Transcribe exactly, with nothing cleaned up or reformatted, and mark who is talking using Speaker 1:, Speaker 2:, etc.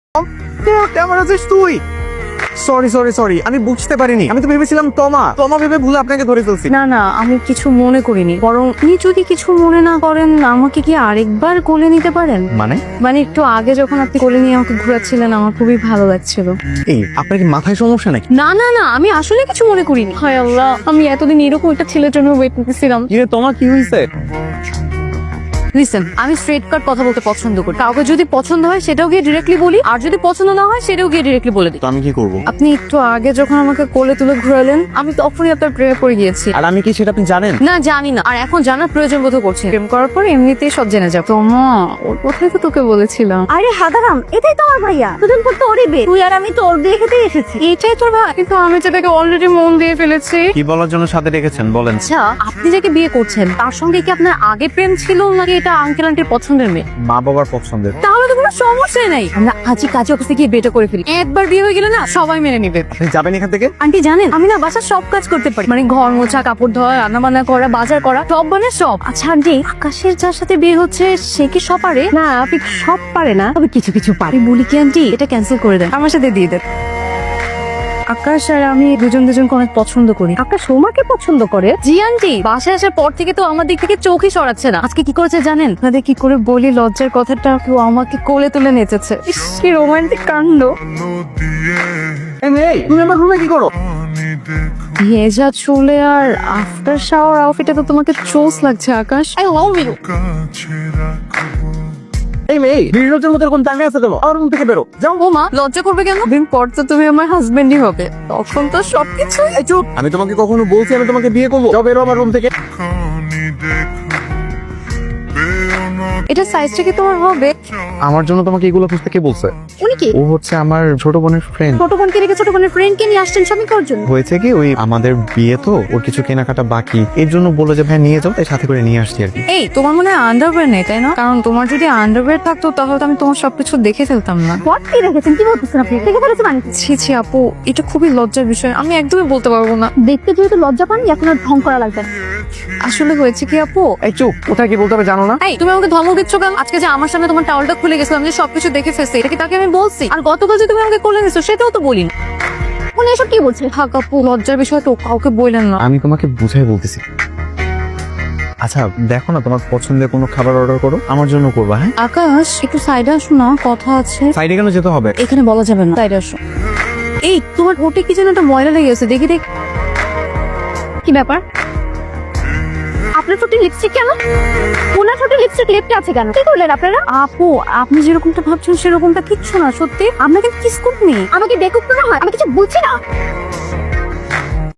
Speaker 1: কেমন আছিস তুই? সরি সরি সরি আমি বুঝতে পারিনি, আমি তো ভেবেছিলাম তমা তমা ভেবে ভুলে আপনাকে ধরে ফেলছি।
Speaker 2: না না আমি কিছু মনে করিনি, বরং আপনি যদি কিছু মনে না করেন আমাকে কি আরেকবার কোলে নিতে পারেন?
Speaker 1: মানে
Speaker 2: মানে একটু আগে যখন আপনি কোলে নিয়ে আমাকে ঘোরাচ্ছিলেন আমার খুবই ভালো লাগছিল।
Speaker 1: এই আপনার কি মাথায় সমস্যা নাকি?
Speaker 2: না না না আমি আসলে কিছু মনে করিনি। হায় আল্লাহ, আমি এতদিন এরকম একটা ছেলের জন্য ওয়েট করতেছিলাম।
Speaker 1: কি রে তোমার কি হয়েছে?
Speaker 2: লিসেন, আমি স্ট্রেট কাট কথা বলতে পছন্দ করি। কাউকে যদি পছন্দ হয় সেটাও গিয়ে ডিরেক্টলি বলি, আর যদি পছন্দ না হয় সেটাও গিয়ে ডিরেক্টলি বলে দিই।
Speaker 1: তো আমি কি করব?
Speaker 2: আপনি একটু আগে যখন আমাকে কোলে তুলে ঘোরালেন আমি তখনই আপনার প্রেমে পড়ে গিয়েছি।
Speaker 1: আর আমি কি সেটা আপনি জানেন?
Speaker 2: না জানি না, আর এখন জানার প্রয়োজন বোধ করছে। প্রেম করার পর এমনিতেই সব জেনে যাবো। তোমা ওর কথাই তো তোকে বলেছিলাম।
Speaker 3: আরে হাদারাম, এটাই তো আমার ভাইয়া। দুজন পর তো ওরই বে, তুই আর আমি তো ওর বিয়ে খেতে এসেছি।
Speaker 2: এটাই তোর ভাই? কিন্তু আমি যেটাকে অলরেডি মন দিয়ে ফেলেছি।
Speaker 1: কি বলার জন্য সাথে রেখেছেন বলেন?
Speaker 2: আচ্ছা, আপনি যাকে বিয়ে করছেন তার সঙ্গে কি আপনার আগে প্রেম ছিল নাকি এটা আঙ্কেল আন্টির পছন্দের মেয়ে?
Speaker 1: মা বাবার পছন্দের।
Speaker 2: তাহলে তো কোনো সমস্যাই নাই, আমরা আজই কাজে অফিসে গিয়ে বিয়েটা করে ফেলি। একবার বিয়ে হয়ে গেলে না সবাই মেনে নিবে।
Speaker 1: আপনি যাবেন এখান থেকে?
Speaker 2: আন্টি জানেন আমি না বাসার সব কাজ করতে পারি, মানে ঘর মোছা, কাপড় ধোয়া, রান্না বান্না করা, বাজার করা, সব মানে সব। আচ্ছা আন্টি, আকাশের যার সাথে বিয়ে হচ্ছে সে কি সব পারে?
Speaker 3: না, আপনি সব পারে না, তবে কিছু কিছু পারে।
Speaker 2: আমি বলি কি আন্টি, এটা ক্যান্সেল করে দেন, আমার সাথে দিয়ে দেন। আকাশ আর আমি দুজন দুজনকে অনেক পছন্দ করি।
Speaker 3: আপনার সৌমাকে পছন্দ করে?
Speaker 2: জি আন্টি, বাসায় আসার পর থেকে তো আমার দিক থেকে চোখই সরাচ্ছে না। আজকে কি করেছে জানেন? আপনাদের কি করে বলি লজ্জার কথাটা, কেউ আমাকে কোলে তুলে নেচেছে। ইস, কি রোমান্টিক কাণ্ড।
Speaker 1: এই মেয়ে, তুমি আমার রুমে কি করো?
Speaker 2: ভেজা চুলে আর আফটার শাওয়ার আউটফিটে তো তোমাকে চোস লাগছে আকাশ। I love you.
Speaker 1: এই মেয়ে, বিরোধের মধ্যে কোন টাইমে আছে তোমার? আমার রুম থেকে বেরো, যাও।
Speaker 2: ও মা, লজ্জা করবে কেন? দিন পর তো তুমি আমার হাজবেন্ডই হবে, তখন তো সবকিছু।
Speaker 1: এই চুপ, আমি তোমাকে কখনো বলছি আমি তোমাকে বিয়ে করবো? যাও বেরো আমার রুম থেকে।
Speaker 2: এটা সাইজটা কি তোমার হবে?
Speaker 1: আমার জন্য তোমাকে এগুলো খুঁজতে কে বলছে?
Speaker 3: উনি কি?
Speaker 1: ও হচ্ছে আমার ছোট বোনের ফ্রেন্ড।
Speaker 3: ছোট বোনকে রেখে ছোট বোনের ফ্রেন্ডকে নিয়ে আসছেন স্বামী করার জন্য?
Speaker 1: হয়েছে কি, ওই আমাদের বিয়ে তো, ওর কিছু কেনাকাটা বাকি, এর জন্য বললো যে ভাই নিয়ে যাও, তাই সাথে করে নিয়ে আসছি আর কি।
Speaker 2: এই তোমার মনে হয় আন্ডারওয়্যার নেই তাই না? কারণ তোমার যদি আন্ডারওয়্যার থাকতো তাহলে তো আমি তোমার সবকিছু দেখে ফেলতাম না।
Speaker 3: হোয়াট কি রেখেছেন? কি বলতেছেন আপনি? দেখে ফেলেছে মানে?
Speaker 2: ছি ছি আপু, এটা খুবই লজ্জার বিষয়, আমি একদমই বলতে পারবো না।
Speaker 3: দেখতে যেহেতু লজ্জা পান, এখন আর ঢং করা লাগবে না।
Speaker 2: আসলে হয়েছে কি আপু,
Speaker 1: এই চুপ, কোথায় কি বলতে হবে জানো না?
Speaker 2: এই তুমি আমাকে ধমক দিচ্ছ কেন? আজকে যে আমার সামনে তোমার টাওয়ালটা খুলে গেছিলাম যে সবকিছু দেখে ফেলছে, এটা কি তাকে আমি বলছি? আর গতকাল যে তুমি আমাকে কোলে নিছো সেটাও তো বলিনি।
Speaker 3: উনি এসব কি বলছে?
Speaker 2: থাক আপু, লজ্জার বিষয় তো কাউকে বললেন না।
Speaker 1: আমি তোমাকে বুঝাই বলতেছি। আচ্ছা দেখো না, তোমার পছন্দের কোনো খাবার অর্ডার করো, আমার জন্য করবা। হ্যাঁ,
Speaker 2: আকাশ একটু সাইডে আসো না, কথা আছে।
Speaker 1: সাইডে কেন যেতে হবে?
Speaker 2: এখানে বলা যাবে না, সাইডে আসো। এই তোমার ওটে কি যেন একটা ময়লা লেগে গেছে, দেখি দেখ।
Speaker 3: কি ব্যাপার? আপনার ঠোঁটে লিপস্টিক কেন? ওনার ঠোঁটে লিপস্টিক লেপটে আছে কেন? কি করলেন আপনারা?
Speaker 2: আপু আপনি যেরকমটা ভাবছেন সেরকমটা কিচ্ছু না, সত্যি আমরা কিন্তু কিস করিনি।
Speaker 3: আমাকে বেকুব করা হয়? আমি কিছু বুঝছি না।